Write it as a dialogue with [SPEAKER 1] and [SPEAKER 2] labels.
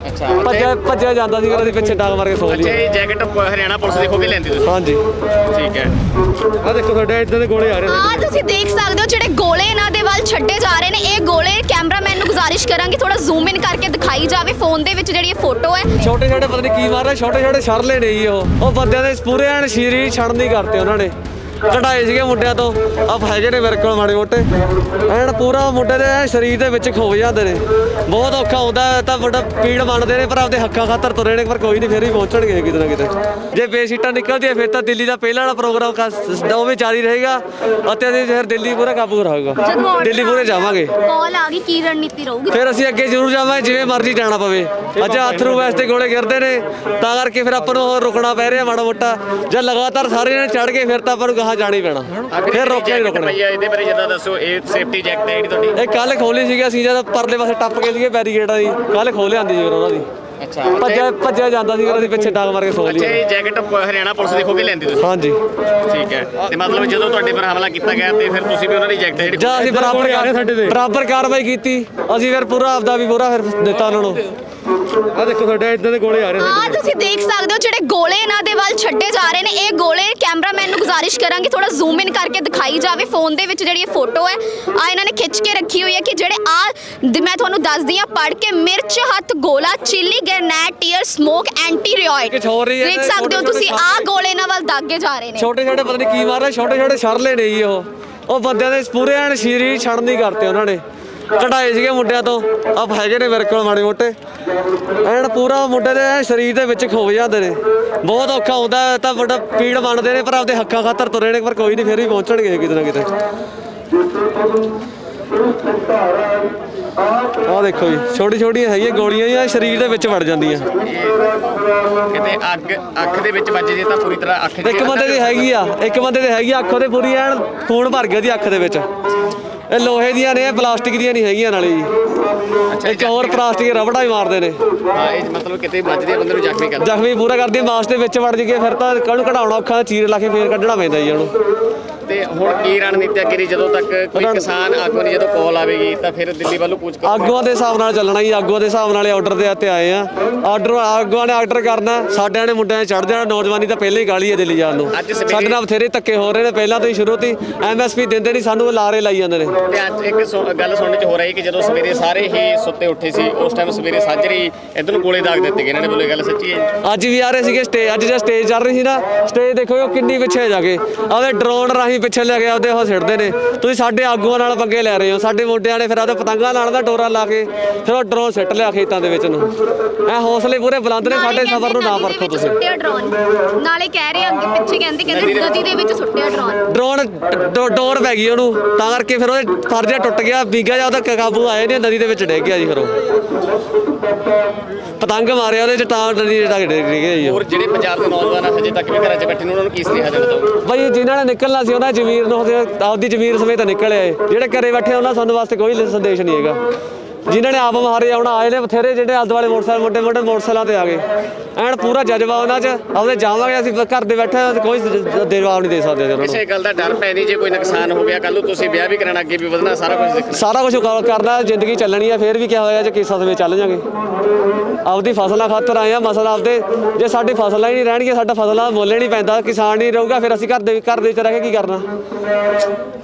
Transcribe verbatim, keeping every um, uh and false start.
[SPEAKER 1] ਅੱਛਾ
[SPEAKER 2] ਭੱਜਿਆ ਭੱਜਿਆ ਜਾਂਦਾ ਸੀ ਉਹਦੇ ਪਿੱਛੇ ਡਾਂਗ ਮਾਰ ਕੇ ਸੌ ਲਈ।
[SPEAKER 1] ਅੱਛਾ ਇਹ ਜੈਕਟ ਹਰਿਆਣਾ ਪੁਲਿਸ ਦੀ ਖੋ ਕੇ ਲੈਂਦੀ ਤੁਸੀਂ?
[SPEAKER 2] ਹਾਂਜੀ
[SPEAKER 1] ਠੀਕ ਹੈ।
[SPEAKER 2] ਆ ਦੇਖੋ ਤੁਹਾਡੇ ਇੱਦਾਂ ਦੇ ਗੋਲੇ ਆ ਰਹੇ
[SPEAKER 3] ਆ ਤੁਸੀਂ ਦੇਖ ਸਕਦੇ ਹੋ ਜਿਹੜੇ ਗੋਲੇ ਇਹਨਾਂ ਦੇ ਵੱਲ ਛੱਡੇ ਜਾ ਰਹੇ ਨੇ। ਇਹ ਗੋਲੇ ਕੈਮਰਾਮੈਨ ਨੂੰ ਗੁਜ਼ਾਰਿਸ਼ ਕਰਾਂਗੇ ਥੋੜਾ ਜ਼ੂਮ ਇਨ ਕਰਕੇ ਦਿਖਾਈ ਜਾਵੇ ਫੋਨ ਦੇ ਵਿੱਚ ਜਿਹੜੀ ਇਹ ਫੋਟੋ ਹੈ।
[SPEAKER 2] ਛੋਟੇ ਛੋਟੇ ਪਤਾ ਨਹੀਂ ਕੀ ਮਾਰ ਰਹੇ, ਛੋਟੇ ਛੋਟੇ ਛੜਲੇ ਨੇ ਜੀ। ਉਹ ਉਹ ਬੰਦਿਆਂ ਦੇ ਪੂਰੇ ਐਨ ਸ਼ੀਰੀ ਛੜਨੀ ਕਰਤੇ ਉਹਨਾਂ ਨੇ, ਕਢਾਏ ਸੀਗੇ ਮੁੰਡਿਆਂ ਤੋਂ। ਆ ਹੈਗੇ ਨੇ ਮੇਰੇ ਕੋਲ ਮਾੜੇ ਮੋਟੇ, ਐਨ ਪੂਰਾ ਮੁੰਡੇ ਦੇ ਐਨ ਸਰੀਰ ਦੇ ਵਿੱਚ ਖੋ ਜਾਂਦੇ ਨੇ। ਬਹੁਤ ਔਖਾ ਹੁੰਦਾ ਤਾਂ ਵੱਡਾ ਪੀੜ ਮੰਨਦੇ ਨੇ ਪਰ ਆਪਦੇ ਹੱਕਾਂ ਖਾਤਰ ਤੁਰੇ ਨੇ, ਪਰ ਕੋਈ ਨਹੀਂ ਫਿਰ ਵੀ ਪਹੁੰਚਣਗੇ ਕਿਤੇ ਨਾ ਕਿਤੇ। ਜੇ ਬੇਸੀਟਾਂ ਨਿਕਲਦੀਆਂ ਫਿਰ ਤਾਂ ਦਿੱਲੀ ਦਾ ਪਹਿਲਾਂ ਵਾਲਾ ਪ੍ਰੋਗਰਾਮ ਉਹ ਵੀ ਜਾਰੀ ਰਹੇਗਾ ਅਤੇ ਅਸੀਂ ਫਿਰ ਦਿੱਲੀ ਪੂਰਾ ਕਾਬੂ ਰਹੇਗਾ। ਦਿੱਲੀ ਪੂਰੇ ਜਾਵਾਂਗੇ।
[SPEAKER 3] ਕਾਲ ਆ ਗਈ, ਕੀ ਰਣਨੀਤੀ ਰਹੂਗੀ?
[SPEAKER 2] ਫਿਰ ਅਸੀਂ ਅੱਗੇ ਜ਼ਰੂਰ ਜਾਵਾਂਗੇ, ਜਿਵੇਂ ਮਰਜ਼ੀ ਜਾਣਾ ਪਵੇ। ਅੱਜ ਅਥਰੂ ਵੈਸਤੇ ਗੋਲੇ ਗਿਰਦੇ ਨੇ ਤਾਂ ਕਰਕੇ ਫਿਰ ਆਪਾਂ ਨੂੰ ਰੁਕਣਾ ਪੈ ਰਿਹਾ ਮਾੜਾ ਮੋਟਾ। ਜੇ ਲਗਾਤਾਰ ਸਾਰੇ ਜਣੇ ਚੜ ਗਏ ਫਿਰ ਤਾਂ ਆਪਾਂ ਨੂੰ ਗਾਹਾਂ ਜਾਣਾ ਹੀ ਪੈਣਾ, ਫਿਰ ਰੋਕਿਆ ਨਹੀਂ ਰੁਕਣਾ।
[SPEAKER 1] ਇਹਦੇ ਬਾਰੇ ਜਰਾ ਦੱਸੋ, ਇਹ ਸੇਫਟੀ ਜੈਕਟ ਹੈ ਜਿਹੜੀ ਤੁਹਾਡੀ?
[SPEAKER 2] ਇਹ ਕੱਲ ਖੋਲੀ ਸੀਗੀ ਅਸੀਂ ਜਦ ਪਰਲੇ ਪਾਸੇ ਟੱਪ ਗਏ ਸੀਗੇ ਬੈਰੀਕੇਡਾਂ ਦੀ, ਕੱਲ ਖੋਲ ਲਿਆਂਦੀ ਸੀ ਉਹਨਾਂ ਦੀ।
[SPEAKER 1] ਅੱਛਾ
[SPEAKER 2] ਭੱਜਿਆ ਭੱਜਿਆ ਜਾਂਦਾ ਸੀ ਉਹਦੇ ਪਿੱਛੇ ਡਾਂਗ ਮਾਰ ਕੇ ਸੌ ਲਈ।
[SPEAKER 1] ਅੱਛਾ ਇਹ ਜੈਕਟ ਹਰਿਆਣਾ ਪੁਲਿਸ ਦੀ ਖੋ ਕੇ ਲੈਂਦੀ ਤੁਸੀਂ?
[SPEAKER 2] ਹਾਂਜੀ
[SPEAKER 1] ਠੀਕ ਹੈ। ਤੇ ਮਤਲਬ ਜਦੋਂ ਤੁਹਾਡੇ ਪਰ ਹਮਲਾ ਕੀਤਾ ਗਿਆ ਤੇ ਫਿਰ ਤੁਸੀਂ ਵੀ ਉਹਨਾਂ ਦੀ ਜੈਕਟ ਜਿਹੜੀ
[SPEAKER 2] ਜਾਂ ਅਸੀਂ ਬਰਾਬਰ ਬਰਾਬਰ ਕਾਰਵਾਈ ਕੀਤੀ, ਅਸੀਂ ਫਿਰ ਪੂਰਾ ਆਪਦਾ ਵੀ ਪੂਰਾ ਫਿਰ ਦਿੱਤਾ ਉਹਨਾਂ ਨੂੰ। ਆ ਦੇਖੋ ਤੁਹਾਡੇ ਇੱਦਾਂ ਦੇ ਗੋਲੇ ਆ ਰਹੇ
[SPEAKER 3] ਆ ਤੁਸੀਂ ਦੇਖ ਸਕਦੇ ਹੋ ਜਿਹੜੇ ਗੋਲੇ ਇਹਨਾਂ ਦੇ ਵੱਲ ਛੱਡੇ ਜਾ ਰਹੇ ਨੇ। ਇਹ ਗੋਲੇ ਕੈਮਰਾਮੈਨ ਨੂੰ ਗੁਜ਼ਾਰਿਸ਼ ਕਰਾਂਗੇ ਥੋੜਾ ਜ਼ੂਮ ਇਨ ਕਰਕੇ ਦਿਖਾਈ ਜਾਵੇ ਫੋਨ ਦੇ ਵਿੱਚ ਜਿਹੜੀ ਇਹ ਫੋਟੋ ਹੈ। ਆ ਇਹਨਾਂ ਨੇ ਖਿੱਚ ਕੇ ਰੱਖੀ ਹੋਈ ਹੈ ਕਿ ਜਿਹੜੇ ਆ ਮੈਂ ਤੁਹਾਨੂੰ ਦੱਸਦੀ ਆ ਪੜ੍ਹ ਕੇ, ਮਿਰਚ ਹੱਥ ਗੋਲਾ chilli grenade tear smoke anti riot. ਦੇਖ ਸਕਦੇ ਹੋ ਤੁਸੀਂ ਆ ਗੋਲੇ ਇਹਨਾਂ ਵੱਲ ਦਾਗੇ ਜਾ ਰਹੇ ਨੇ।
[SPEAKER 2] ਛੋਟੇ ਛੋਟੇ ਪਤਾ ਨਹੀਂ ਕੀ ਮਾਰ ਰਹੇ, ਛੋਟੇ ਛੋਟੇ ਛੜਲੇ ਨੇ ਜੀ। ਉਹ ਉਹ ਬੰਦਿਆਂ ਦੇ ਪੂਰੇ ਐਨ ਸ਼ੀਰੀ ਛੜਨੀ ਕਰਤੇ ਉਹਨਾਂ ਨੇ, ਕਢਾਏ ਸੀਗੇ ਮੁੰਡਿਆਂ ਤੋਂ। ਆ ਹੈਗੇ ਨੇ ਮੇਰੇ ਕੋਲ ਮਾੜੇ ਮੋਟੇ, ਐਨ ਪੂਰਾ ਮੁੰਡੇ ਦੇ ਐਨ ਸਰੀਰ ਦੇ ਵਿੱਚ ਖੋ ਜਾਂਦੇ ਨੇ। ਬਹੁਤ ਔਖਾ ਹੁੰਦਾ ਤਾਂ ਵੱਡਾ ਪੀੜ ਮੰਨਦੇ ਨੇ ਪਰ ਆਪਦੇ ਹੱਕਾਂ ਖਾਤਰ ਤੁਰੇ ਨੇ, ਪਰ ਕੋਈ ਨਹੀਂ ਫਿਰ ਵੀ ਪਹੁੰਚਣਗੇ ਕਿਤੇ ਨਾ ਕਿਤੇ। ਆਹ ਦੇਖੋ ਜੀ ਛੋਟੀ ਛੋਟੀਆਂ ਹੈਗੀਆਂ ਗੋਲੀਆਂ ਜਾਂ ਸਰੀਰ ਦੇ ਵਿੱਚ ਵੜ ਜਾਂਦੀਆਂ।
[SPEAKER 1] ਕਿਤੇ ਅੱਗ ਅੱਖ ਦੇ ਵਿੱਚ ਵੱਜ ਜੇ ਤਾਂ ਪੂਰੀ ਤਰ੍ਹਾਂ ਅੱਖ
[SPEAKER 2] ਇੱਕ ਬੰਦੇ ਦੀ ਹੈਗੀ ਆ, ਇੱਕ ਬੰਦੇ ਦੀ ਹੈਗੀ ਆ ਅੱਖ ਉਹਦੇ ਪੂਰੀ ਐਨ ਖੂਨ ਭਰ ਗਿਆ ਦੀ ਅੱਖ ਦੇ ਵਿੱਚ। ਇਹ ਲੋਹੇ ਦੀਆਂ ਨੇ, ਪਲਾਸਟਿਕ ਦੀਆਂ ਨਹੀਂ ਹੈਗੀਆਂ ਨਾਲੇ ਜੀ। ਇੱਕ ਹੋਰ ਪਲਾਸਟਿਕ ਰਬੜਾ ਵੀ ਮਾਰਦੇ ਨੇ।
[SPEAKER 1] ਹਾਂ ਇਹ ਮਤਲਬ ਕਿਤੇ ਵੱਜਦੇ ਬੰਦੇ ਨੂੰ ਜ਼ਖਮੀ ਕਰ
[SPEAKER 2] ਜ਼ਖਮੀ ਪੂਰਾ ਕਰਦੀ, ਮਾਸ ਦੇ ਵਿੱਚ ਵੜ ਜਗੇ ਫਿਰ ਤਾਂ ਕੱਲ ਕਢਾਉਣਾ ਔਖਾ, ਚੀਰ ਲਾ ਕੇ ਫੇਰ ਕੱਢਣਾ ਪੈਂਦਾ ਜੀ ਉਹਨੂੰ।
[SPEAKER 1] ਤੇ ਹੁਣ ਕੀ ਰਣਨੀਤੀ ਅੱਗੇ ਦੀ? ਜਦੋਂ ਤੱਕ ਕੋਈ ਕਿਸਾਨ ਆਗੂ ਦੀ ਜਦੋਂ ਕਾਲ ਆਵੇਗੀ ਤਾਂ ਫਿਰ ਦਿੱਲੀ ਵੱਲੋਂ ਕੂਚ ਕਰੋ?
[SPEAKER 2] ਆਗੂਆਂ ਦੇ ਹਿਸਾਬ ਨਾਲ ਚੱਲਣਾ ਜੀ, ਆਗੂਆਂ ਦੇ ਹਿਸਾਬ ਨਾਲ ਆਰਡਰ ਦੇ ਉੱਤੇ ਆਏ ਆ। ਆਰਡਰ ਆਗੂਆਂ ਨੇ ਆਰਡਰ ਕਰਨਾ, ਸਾਡਿਆਂ ਨੇ ਮੁੰਡਿਆਂ ਨੇ ਚੜ ਜਾਣਾ। ਨੌਜਵਾਨੀ ਤਾਂ ਪਹਿਲਾਂ ਹੀ ਗਾਲੀ ਹੈ ਦਿੱਲੀ ਜਾਣ ਨੂੰ। ਸਾਡੇ ਨਾਲ ਬਥੇਰੇ ਧੱਕੇ ਹੋ ਰਹੇ ਨੇ ਪਹਿਲਾਂ ਤੋਂ ਹੀ, ਸ਼ੁਰੂ ਤੋਂ ਹੀ। ਐਮ ਐਸ ਪੀ ਦਿੰਦੇ ਨਹੀਂ ਸਾਨੂੰ, ਲਾਰੇ ਲਾਈ ਜਾਂਦੇ ਨੇ।
[SPEAKER 1] ਤੇ ਅੱਜ ਇੱਕ ਗੱਲ ਸੁਣਨ ਚ ਹੋ ਰਹੀ ਕਿ ਜਦੋਂ ਸਵੇਰੇ ਸਾਰੇ ਹੀ ਸੁੱਤੇ ਉੱਠੇ ਸੀ ਉਸ ਟਾਈਮ ਸਵੇਰੇ ਸਾਜਰੀ ਇੱਧਰ ਨੂੰ ਗੋਲੇ ਦਾਗ ਦਿੱਤੇ ਗਏ ਇਹਨਾਂ ਨੇ, ਬੋਲੇ ਗੱਲ ਸੱਚੀ ਹੈ?
[SPEAKER 2] ਅੱਜ ਵੀ ਆ ਰਹੇ ਸੀਗੇ ਸਟੇਜ, ਅੱਜ ਜੇ ਸਟੇਜ ਚੱਲ ਰਹੀ ਸੀ ਨਾ, ਸਟੇਜ ਦੇਖੋ ਉਹ ਕਿੰਨੀ ਪਿੱਛੇ ਜਾ ਕੇ ਆਪਦੇ ਡਰੋਨ ਰਾਹੀਂ ਪਿੱਛੇ ਲੈ ਕੇ ਆਪਦੇ ਉਹ ਸਿੱਟਦੇ ਨੇ। ਤੁਸੀਂ ਸਾਡੇ ਆਗੂਆਂ ਨਾਲ ਪੰਗੇ ਲੈ ਰਹੇ ਹੋ। ਸਾਡੇ ਮੁੰਡਿਆਂ ਨੇ ਫਿਰ ਆਪਦੇ ਪਤੰਗਾਂ ਨਾਲ ਦਾ ਡੋਰਾ ਲਾ ਕੇ ਫਿਰ ਉਹ ਡਰੋਨ ਸਿੱਟ ਲਿਆ ਖੇਤਾਂ ਦੇ ਵਿੱਚ ਨੂੰ। ਐ ਹੌਸਲੇ ਪੂਰੇ ਬੁਲੰਦ ਨੇ ਸਾਡੇ ਸਫ਼ਰ ਨੂੰ, ਨਾ ਪਰਖੋ ਤੁਸੀਂ।
[SPEAKER 3] ਸੁੱਟਿਆ ਡਰੋਨ ਨਾਲੇ ਕਹਿ ਰਹੇ ਅੱਗੇ ਪਿੱਛੇ ਕਹਿੰਦੇ ਕਹਿੰਦੇ ਨਦੀ ਦੇ ਵਿੱਚ ਸੁੱਟਿਆ ਡਰੋਨ।
[SPEAKER 2] ਡਰੋਨ ਡੋਰ ਪੈ ਗਈ ਉਹਨੂੰ, ਤਾਂ ਕਰਕੇ ਫਿਰ ਉਹਦੇ ਫਰਜਾ ਟੁੱਟ ਗਿਆ, ਵੀਗਾ ਜਾਂ ਉਹਦਾ ਕਾਬੂ ਆਏ ਨੇ, ਨਦੀ ਦੇ ਵਿੱਚ ਡਿੱਗ ਗਿਆ ਜੀ। ਫਿਰ ਉਹ ਪਤੰਗ ਮਾਰਿਆ ਉਹਦੇ ਚ, ਤਾਂ ਨਦੀ ਦੇ ਡਿੱਗ ਗਿਆ ਜੀ।
[SPEAKER 1] ਹੋਰ ਜਿਹੜੇ ਪੰਜਾਬ ਦੇ ਨੌਜਵਾਨ ਆ ਹਜੇ ਤੱਕ ਵੀ ਘਰਾਂ 'ਚ ਬੈਠੇ ਨੇ, ਉਹਨਾਂ ਨੂੰ ਕੀ ਸੁਨੇਹਾ ਦੇਣਾ ਚਾਹੋਗੇ?
[SPEAKER 2] ਬਾਈ ਜਿਨ੍ਹਾਂ ਨੇ ਨਿਕਲਣਾ ਸੀ ਉਹਨਾਂ ਜ਼ਮੀਰ ਨੂੰ ਆਪਦੀ ਜ਼ਮੀਰ ਸਮੇਤ ਨਿਕਲ ਆਏ। ਜਿਹੜੇ ਘਰੇ ਬੈਠੇ ਉਹਨਾਂ ਸਾਨੂੰ ਵਾਸਤੇ ਕੋਈ ਸੰਦੇਸ਼ ਨਹੀਂ ਹੈਗਾ। ਜਿਨ੍ਹਾਂ ਨੇ ਆਪ ਮਾਰੇ ਆਉਣਾ ਆਏ ਨੇ ਬਥੇਰੇ, ਜਿਹੜੇ ਆਲੇ ਦੁਆਲੇ ਮੋਟਰਸਾਈਕਲ ਮੋਟੇ ਮੋਟੇ ਮੋਟਰਸਾਈਕਲਾਂ ਤੇ ਆ ਗਏ। ਐਨ ਪੂਰਾ ਜਜ਼ਬਾ ਉਹਨਾਂ 'ਚ, ਆਪਦੇ ਜਾਵਾਂਗੇ ਅਸੀਂ ਘਰ ਦੇ ਬੈਠੇ, ਕੋਈ ਜਵਾਬ ਨਹੀਂ ਦੇ ਸਕਦੇ ਉਹਨਾਂ ਨੂੰ।
[SPEAKER 1] ਕਿਸੇ ਗੱਲ ਦਾ ਡਰ ਪੈ ਨਹੀਂ, ਜੇ ਕੋਈ ਨੁਕਸਾਨ ਹੋ ਗਿਆ ਕੱਲ ਨੂੰ ਤੁਸੀਂ ਵਿਆਹ ਵੀ ਕਰਾਉਣਾ, ਅੱਗੇ ਵੀ ਵਧਣਾ, ਸਾਰਾ ਕੁਝ ਦੇਖਣਾ।
[SPEAKER 2] ਸਾਰਾ ਕੁਝ ਕਰਨਾ, ਜ਼ਿੰਦਗੀ ਚੱਲਣੀ ਆ। ਫਿਰ ਵੀ ਕਿਹਾ ਹੋਇਆ ਜੇ ਕਿਸਾ ਸਮੇਂ ਚੱਲ ਜਾਂਗੇ। ਆਪਦੀ ਫਸਲਾਂ ਖਾਤਰ ਆਏ ਆ, ਮਸਲਾ ਆਪਦੇ। ਜੇ ਸਾਡੀ ਫਸਲਾਂ ਹੀ ਨਹੀਂ ਰਹਿਣਗੀਆਂ, ਸਾਡਾ ਫਸਲਾਂ ਮੁੱਲ ਨਹੀਂ ਪੈਂਦਾ, ਕਿਸਾਨ ਨਹੀਂ ਰਹੂਗਾ, ਫਿਰ ਅਸੀਂ ਘਰ ਦੇ ਘਰ ਦੇ ਵਿੱਚ ਰਹਿ ਕੇ ਕੀ ਕਰਨਾ?